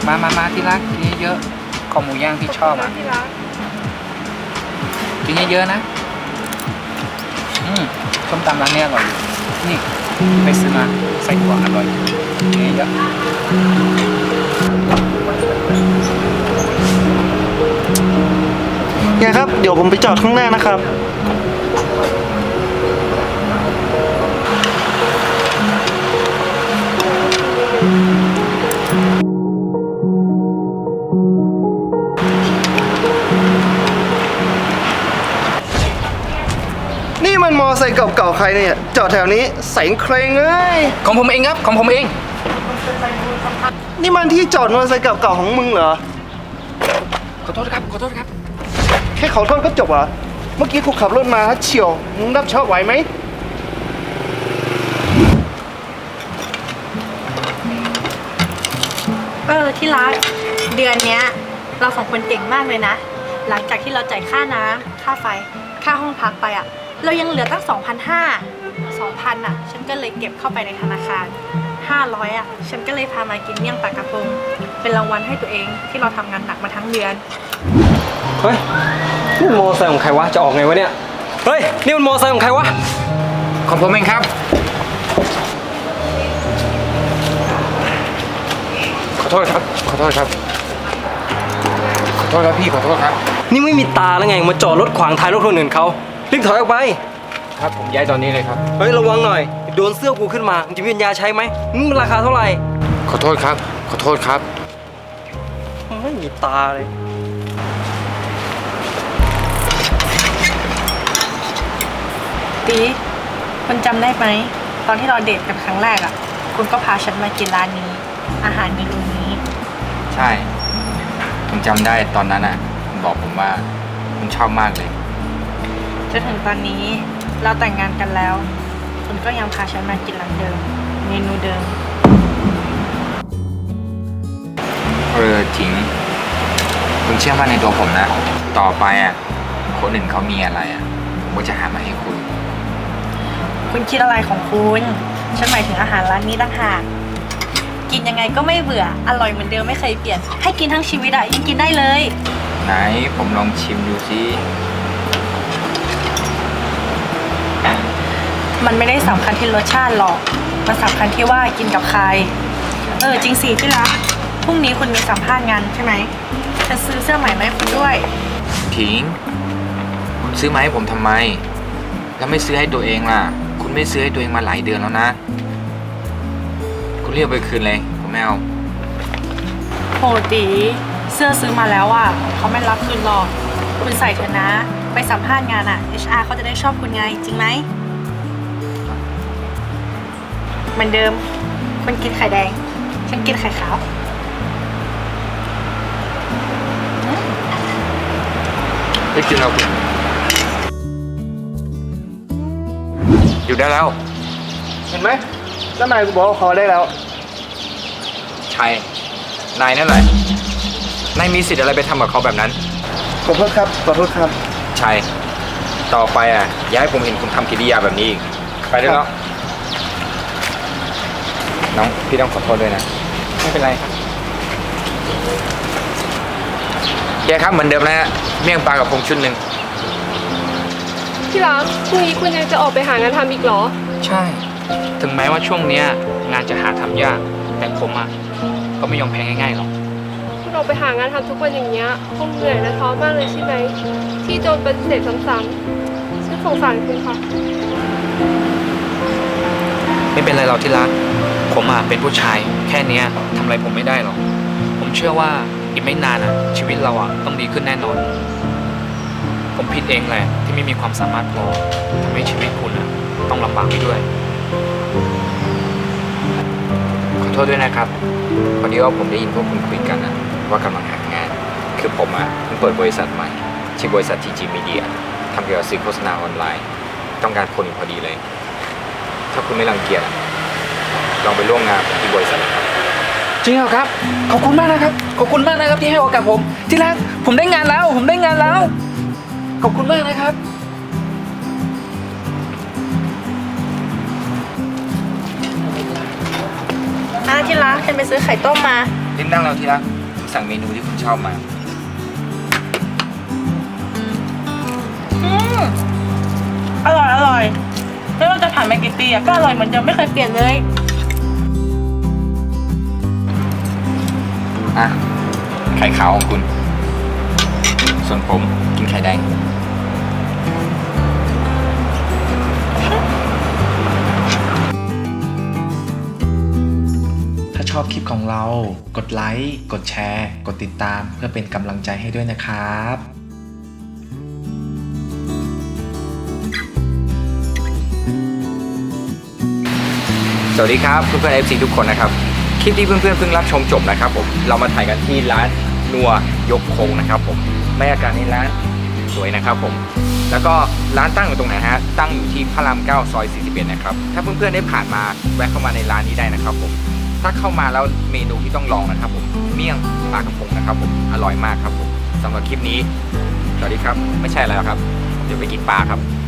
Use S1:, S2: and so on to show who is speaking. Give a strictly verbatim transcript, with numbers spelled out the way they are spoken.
S1: มามามาที่รักกินเยอะๆคอหมูย่างที่ชอบอ่ะกินเยอะๆนะอืมส้มตำร้านนี้อร่อยนี่ไปซื้อมาใส่ถั่วอร่อยนี่เยอะ
S2: ไงครับเดี๋ยวผมไปจอดข้างหน้านะครับนี่มันมอไซค์เก่าๆใครเนี่ยจอดแถวนี้แสงเครงเลย
S1: ของผมเองครับของผมเอง
S2: นี่มันที่จอดมอเตอร์ไซค์เก่าๆของมึงเหรอ
S1: ขอโทษครับขอโทษครับ
S2: แค่ขอโทษก็จบเหรอ เมื่อกี้กูขับรถมาเฉียวมึงรับชอบไหวไหม
S3: เออที่รักเดือนเนี้ยเราสองคนเก่งมากเลยนะ หลังจากที่เราจ่ายค่าน้ำค่าไฟค่าห้องพักไปอะเรายังเหลือตั้ง สองพันห้าร้อย สองพัน อ่ะฉันก็เลยเก็บเข้าไปในธนาคารห้าร้อยอ่ะฉันก็เลยพามากินเมี่ยงปลากระพงเป็นรางวัลให้ตัวเองที่เราทำงานหนักมาทั้งเดือน
S4: เฮ้ยนี่มันมอไซค์ของใครวะจะออกไงวะเนี่ยเฮ้ยนี่มันมอไซค์ของใครวะ
S1: ของผมเองครับขอโทษครับขอโทษครับขอโทษครับพี่ขอโทษครับ
S4: นี่ไม่มีตาแล้วไงมาจอดรถขวางท้ายรถคนอื่นเขารีบถอยออกไป
S1: ครับผมย้ายตอนนี้เลยครับ
S4: เฮ้ยระวังหน่อยโดนเสื้อกูขึ้นมามึงจะมีปัญญาใช้ไหมมึงราคาเท่าไหร่
S1: ขอโทษครับขอโทษครับ
S4: ไม่มีตาเลย
S3: ตีคุณจำได้ไหมตอนที่เราเดทกันครั้งแรกอ่ะคุณก็พาฉันมากินร้านนี้อาหารเมนูนี้
S1: ใช่ผมจำได้ตอนนั้นอ่ะคุณบอกผมว่าคุณชอบมากเลย
S3: จนถึงตอนนี้เราแต่งงานกันแล้วคุณก็ยังพาฉันมากินร้านเดิมเมนูเดิม
S1: เออจริงคุณเชื่อมั่นในตัวผมนะต่อไปอ่ะคนอื่นเขามีอะไรอ่ะผมก็จะหามาให้คุณ
S3: คุณคิดอะไรของคุณฉันหมายถึงอาหารร้านนี้ต่างหากกินยังไงก็ไม่เบื่ออร่อยเหมือนเดิมไม่เคยเปลี่ยนให้กินทั้งชีวิตอ่ะยังกินได้เลย
S1: ไหนผมลองชิมดูสิ
S3: มันไม่ได้สำคัญที่รสชาติหรอกมันสำคัญที่ว่ากินกับใครเออจริงสิที่รักพรุ่งนี้คุณมีสัมภาษณ์งานใช่ไหมฉันซื้อเสื้อใหม่มาให้คุณด้วย
S1: ถิงคุณซื้อมาให้ผมทำไมแล้วไม่ซื้อให้ตัวเองล่ะคุณไม่ซื้อให้ตัวเองมาหลายเดือนแล้วนะคุณเรียกไปคืนเลยผมไม่เอา
S3: โหตีเสื้อซื้อมาแล้วอ่ะเขาไม่รับคืนหรอกคุณใส่เถอะนะไปสัมภาษณ์งานอ่ะ เอช อาร์ เขาจะได้ชอบคุณไงจริงไหมเหมือนเดิมคุณกินไข่แดงฉันกินไข่ขาว
S1: ได้กินแล้วคุณอยู่ได้แล้ว
S2: เห็นไหมเจ้านายกูบอกว่าขอได้แล้ว
S1: ใช่นายนั่นแหละนายมีสิทธิ์อะไรไปทำกับเขาแบบนั้น
S2: ขอโทษครับขอโทษครับ
S1: ใช่ต่อไปอ่ะอย่าให้ผมเห็นคุณทำกิริยาแบบนี้อีกไปได้แล้วน้องพี่ต้องขอโทษด้วยนะ
S4: ไม่เป็นไรครับ
S1: แกครับเหมือนเดิมนะฮะเมี่ยงปลากับพงชุดหนึ่ง
S5: ที่รักพรุ่งนี้คุณยังจะออกไปหางานทำอีกเหรอ
S1: ใช่ถึงแม้ว่าช่วงนี้งานจะหาทำยากแต่ผมอ่ะก็ไม่ยอมแพ้ง่ายๆหรอก
S5: คุณออกไปหางานทำทุกวันอย่างเงี้ยคงเหนื่อยและท้อมากเลยใช่ไหมที่โดนปฏิเสธซ้ำๆฉันสงสารคุณค่ะ
S1: ไม่เป็นไรเราที่รักผมอ่ะเป็นผู้ชายแค่นี้ทำอะไรผมไม่ได้หรอกผมเชื่อว่าอีกไม่นานอ่ะชีวิตเราอ่ะต้องดีขึ้นแน่นอนผมผิดเองแหละที่ไม่มีความสามารถพอทำให้ชีวิตคุณอ่ะต้องลำบากไปด้วยขอโทษด้วยนะครับพอดีว่าผมได้ยินพวกคุณคุยกันนะว่ากำลังหางานคือผมอ่ะเพิ่งเปิดบริษัทใหม่ชื่อบริษัท ที จี Media ทำเกี่ยวกับสื่อโฆษณาออนไลน์ต้องการคนอยู่พอดีเลยถ้าคุณไม่รังเกียจลองไปร่วมงานที่บริษัทครับจริงเหรอครับขอบคุณมากนะครับขอบคุณมากนะครับที่ให้โอกาสผมที่รักผมได้งานแล้วผมได้งานแล้วขอบคุณมากนะครับ
S3: อ่ะที่รักฉันไปซื้อไข่ต้มมา
S1: ลิ้นนั่งแล้วที่รักสั่งเมนูที่คุณชอบมา
S3: อืมอร่อยอร่อยไม่ว่าจะผ่านมากี่ปีอะก็อร่อยเหมือนเดิมไม่เคยเปลี่ยนเลย
S1: อ่ะ ไข่ขาวของคุณ ส่วนผมกินไข่แดง
S6: ถ้าชอบคลิปของเรา กดไลค์ กดแชร์ กดติดตามเพื่อเป็นกำลังใจให้ด้วยนะครับ
S1: สวัสดีครับเพื่อนๆ เอฟ ซี ทุกคนนะครับ คลิปที่เพื่อนๆเพิ่งรับชมจบนะครับผมเรามาถ่ายกันที่ร้านนัวยกโคงนะครับผมบรรยากาศในร้านสวยนะครับผมแล้วก็ร้านตั้งอยู่ตรงไหนฮะตั้งอยู่ที่พระรามเก้าซอยสี่สิบเอ็ดนะครับถ้าเพื่อนๆได้ผ่านมาแวะเข้ามาในร้านนี้ได้นะครับผมถ้าเข้ามาแล้วเมนูที่ต้องลองนะครับผมเมี่ยงปลากระพงนะครับผมอร่อยมากครับผมสำหรับคลิปนี้สวัสดีครับไม่ใช่อะไรหรอกครับเดี๋ยวไปกินปลาครับ